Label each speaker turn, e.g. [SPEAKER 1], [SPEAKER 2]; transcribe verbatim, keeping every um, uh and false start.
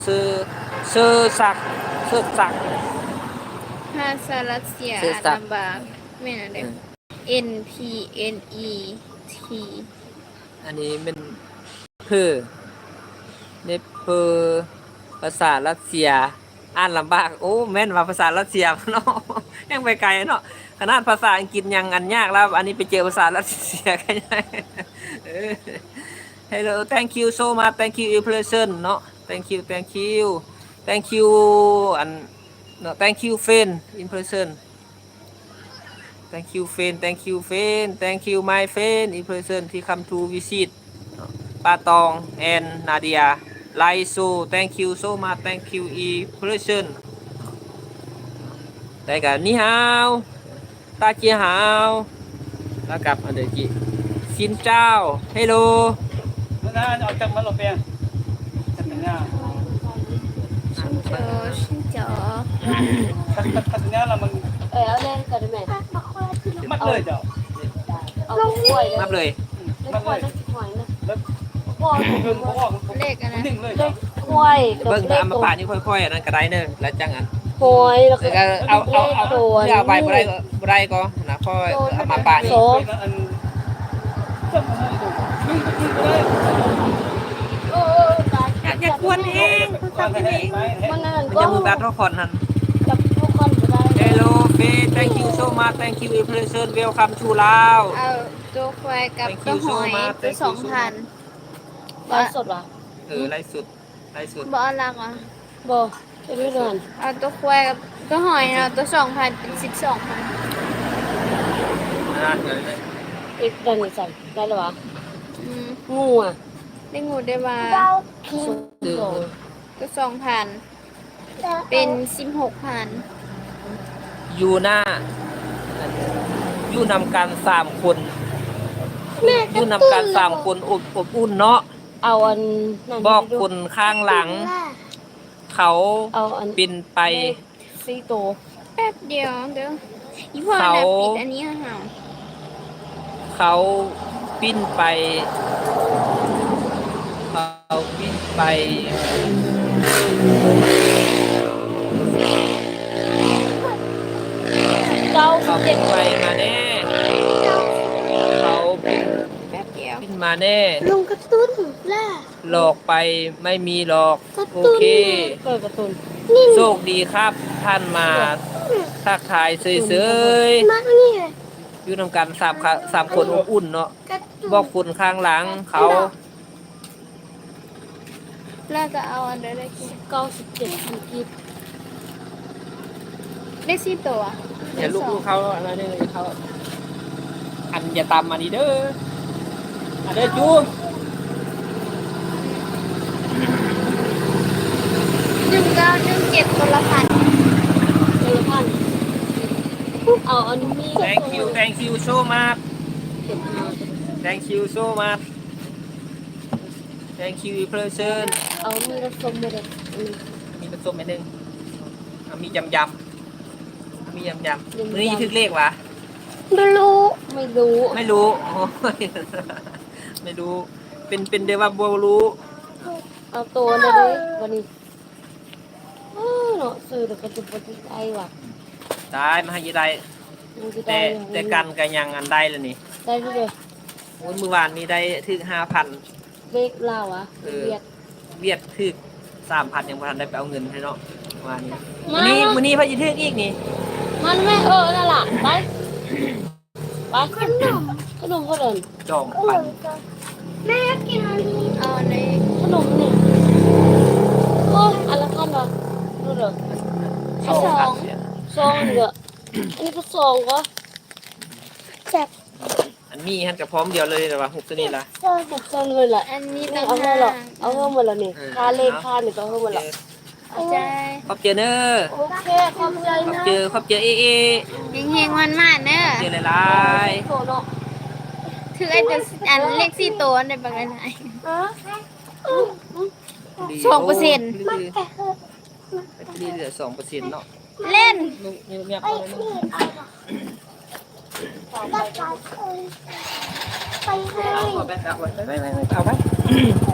[SPEAKER 1] ซื้อซื้อสักซื้อสัก
[SPEAKER 2] ภาษารัสเซีย
[SPEAKER 1] ซื้อ
[SPEAKER 2] อ่าน
[SPEAKER 1] สัก
[SPEAKER 2] ลำบากแม่นอะไร N P N E T
[SPEAKER 1] อันนี้เป็นเพอเนี่เพอภาษารัสเซียอ่านลำบากโอ้แม่นว่าภาษารัสเซียเนาะยังไปไกลเนาะขนาดภาษาอังกฤษยังอันยากแล้วอันนี้ไปเจอภาษารัสเซียกันยัง Hello thank you so much thank you in person เนาะ thank you thank you thank you อันเนาะ thank you friend in person thank you friend thank you friend thank you my friend in person ที่ come to visit ปาตอง and Nadia ไลโซ thank you so much thank you in person แต่กับนี่ฮาวตาเจียฮาวแล้วกับอันเดอร์จิซินเจ้า Hello
[SPEAKER 3] Nó ở trong mấy lô bè. Thật nha.
[SPEAKER 2] ชินโจชินโจ
[SPEAKER 3] Thật thật thật nha là mình
[SPEAKER 4] เออเอาเล่นกันได้ไหม
[SPEAKER 3] mất lời rồi.
[SPEAKER 4] เอากล้วย
[SPEAKER 1] นับเลย
[SPEAKER 4] เล่นกล้วยเล่นหอยนะ
[SPEAKER 3] Đất
[SPEAKER 4] กล้วย
[SPEAKER 3] gừng có ngọn
[SPEAKER 2] เลขอะไร
[SPEAKER 3] đỉnh lời
[SPEAKER 4] เล่
[SPEAKER 3] rồi.
[SPEAKER 4] นกล้วยกับ
[SPEAKER 1] เบิ่ง
[SPEAKER 4] เล
[SPEAKER 1] ตา
[SPEAKER 4] ข
[SPEAKER 1] มมา
[SPEAKER 4] ตัว
[SPEAKER 1] ป่านี่ค่อยๆอันนั้นก็ได้เนอะแล้วจังอัน
[SPEAKER 4] หอยแล้วก็
[SPEAKER 1] แล้วก็เอาเอาเอาเพื่อเอาไปบ่ได้ก็บ่ได้ก็นะค่อยเอามาป่านี่
[SPEAKER 4] โซ่
[SPEAKER 3] Nó ăn chậm một mồm đủ. Gừng gừng gừng đấy.
[SPEAKER 4] เออตาย
[SPEAKER 1] อยากอยากกวนเอง
[SPEAKER 3] Con này hết máy
[SPEAKER 4] มัน
[SPEAKER 3] hết.
[SPEAKER 4] นั่น
[SPEAKER 1] มัน
[SPEAKER 4] ก็
[SPEAKER 1] จะมือแบตทุกคนนั่น
[SPEAKER 4] จับทุกคนก็ได้
[SPEAKER 1] Hello Faye thank you so much thank you in person welcome to Lao
[SPEAKER 2] เอาตัวควายกับ
[SPEAKER 1] Thank
[SPEAKER 2] ตัว
[SPEAKER 1] you
[SPEAKER 2] ห
[SPEAKER 1] so
[SPEAKER 2] อย
[SPEAKER 1] much
[SPEAKER 2] ตัว
[SPEAKER 1] Thank you
[SPEAKER 2] สอง
[SPEAKER 1] so
[SPEAKER 2] พัน
[SPEAKER 4] ไลฟ์สดวะ
[SPEAKER 1] เออไล่สุดไล่สุด
[SPEAKER 2] บอลักอ่ะ
[SPEAKER 4] บ่จะไม่เดิน
[SPEAKER 2] เอาตัวควายกับตัวหอยเอาตัวสองพันเป็นสิบสองพัน
[SPEAKER 1] นะเดี๋ยวเลย
[SPEAKER 4] อีกดันนี่ใส่ได้หรอวะ
[SPEAKER 2] อืม
[SPEAKER 4] งูอ่ะ
[SPEAKER 2] ได้งูได้ว่า
[SPEAKER 4] คิงโซ่
[SPEAKER 2] ตัวสองพันเป็นสิบหกพัน
[SPEAKER 1] อยู่หน้าอยู่นำกันสามคนอยู่นำกันสามคนอบอบอุ่นเนาะ
[SPEAKER 4] เอาอันนั่น
[SPEAKER 1] บอกคนข้างหลัง เขา
[SPEAKER 4] เอาอัน
[SPEAKER 1] ปินไป
[SPEAKER 4] ซีโต
[SPEAKER 2] แป๊บเดียวเด้ออีพ่อ
[SPEAKER 1] เขา
[SPEAKER 2] น่ะปิดอันนี้ห่า
[SPEAKER 1] เขาปิ้นไปเขาปิ้นไป
[SPEAKER 4] เก้าสิ
[SPEAKER 1] เขา
[SPEAKER 4] บเจ็
[SPEAKER 1] ปิ้
[SPEAKER 4] ด
[SPEAKER 1] นไปมาแน่เขาปิ้น
[SPEAKER 2] แป๊บเดียว
[SPEAKER 1] ปิ้นมาแน่
[SPEAKER 4] ลุงกระตุ้นล่ะ
[SPEAKER 1] หลอกไปไม่มีหลอก
[SPEAKER 4] กระ
[SPEAKER 1] โอ
[SPEAKER 4] ตุ้น
[SPEAKER 1] เค
[SPEAKER 4] เปิดกระตุ้น
[SPEAKER 1] โชคดีครับท่านมาทักทายเฉย
[SPEAKER 4] มากนี่เลย
[SPEAKER 1] ๆอยู่นำกันสามค่ะสามคนอบอุ่นเนาะบอกคนข้างหลังเขา
[SPEAKER 2] แล้วก็เอาอันเดอร์ได้กี่
[SPEAKER 4] เก้าสิบเจ็ดพันกีบ
[SPEAKER 2] ได้สี่ตัว
[SPEAKER 1] เดี๋ยวลูกๆเขาอะไรเนี่ยเขาอันอย่าตามมาดีเด้ออันเด้อจู
[SPEAKER 2] หนึ่งเก้าหนึ่งเจ็ดตัวละพัน
[SPEAKER 4] เออพันเอาอันนี้
[SPEAKER 1] thank you thank you so much
[SPEAKER 4] เก็บมา
[SPEAKER 1] thank you so much thank you person
[SPEAKER 4] เอามีรสส้มมาเลยอันนี้
[SPEAKER 1] มีผสมไปหนึ่งเอามียำยำมียำยำมื้อนี้ถึกเลขวะ
[SPEAKER 4] ไม่รู้ไม่รู้
[SPEAKER 1] ไม่รู้โอ้ยไม่รู้เป็นเป็นเดว่าบัวรู้
[SPEAKER 4] เอาตัวเลยดิวันนี้โอ้เนาะซื้อแต่ก็จะปฏิใจว่ะ
[SPEAKER 1] ได้มาให้ยีได้
[SPEAKER 4] มันจะ
[SPEAKER 1] แต่
[SPEAKER 4] ได้
[SPEAKER 1] แต่กันกันยังอันได้แล้วนี่
[SPEAKER 4] ได้ที่เลย
[SPEAKER 1] โอ้ยเมื่อวานนี้ได้ถึกห้าพัน
[SPEAKER 4] เบกลาวอ่ะ
[SPEAKER 1] เออ
[SPEAKER 4] เวียด
[SPEAKER 1] เวียดถึกสามพันยังพอทันได้ไปเอาเงินให้เนาะเมื่อวานนี้
[SPEAKER 4] มา
[SPEAKER 1] วันนี้
[SPEAKER 4] มา
[SPEAKER 1] วันนี้พระยีทึกอีกนี่
[SPEAKER 4] มันไม่เออนั่นแหละไปไปขนมขนมก็เดิน
[SPEAKER 1] จองปัน
[SPEAKER 4] แม่กินอันนี้
[SPEAKER 2] เอาใน
[SPEAKER 4] ขนมนี่โอ้อันละพันวะดูเด้อ
[SPEAKER 1] สองพันเสีย
[SPEAKER 4] ซองเด้ออันนี้ก็ซองก็แซ่บ
[SPEAKER 1] อันนี้ฮันกับพร้อมเดียวเลยแต่ว่าหกตัวนี้ละ
[SPEAKER 4] ซองหกซองเลยแหละ
[SPEAKER 2] อันนี้
[SPEAKER 4] นี่
[SPEAKER 2] ต่าง
[SPEAKER 4] เอาเงิ
[SPEAKER 2] หาน
[SPEAKER 4] หรอก
[SPEAKER 2] ก
[SPEAKER 4] เอาเงินหมดแล้วนี่
[SPEAKER 1] เออ
[SPEAKER 4] ค่าเลขค่านี่ก็เอาเงินหมดแล้ว
[SPEAKER 2] เอาใจ
[SPEAKER 1] ขอบเจอเนอะ
[SPEAKER 4] โอเคขอบใจ
[SPEAKER 1] ขอบ
[SPEAKER 4] นะ
[SPEAKER 1] เจอขอบเจอเอเอ
[SPEAKER 2] เฮงๆวันมากเนอะ
[SPEAKER 1] เจอหลาย
[SPEAKER 4] โถเนาะ
[SPEAKER 2] ถือไอ้ตัวอันเลขสี่ตัวในบางอันไหน
[SPEAKER 4] อ๋อ
[SPEAKER 1] ๆ
[SPEAKER 2] สองเปอร์เซ็นต์
[SPEAKER 1] ดีดีเหลือสองเปอร์เซ็นต์เนาะ
[SPEAKER 2] เล่น
[SPEAKER 1] ลูกเงียบๆเอาเลยเนาะ
[SPEAKER 4] ไปให้
[SPEAKER 1] เอาไปเอาไว้ไปไปไปเอาไป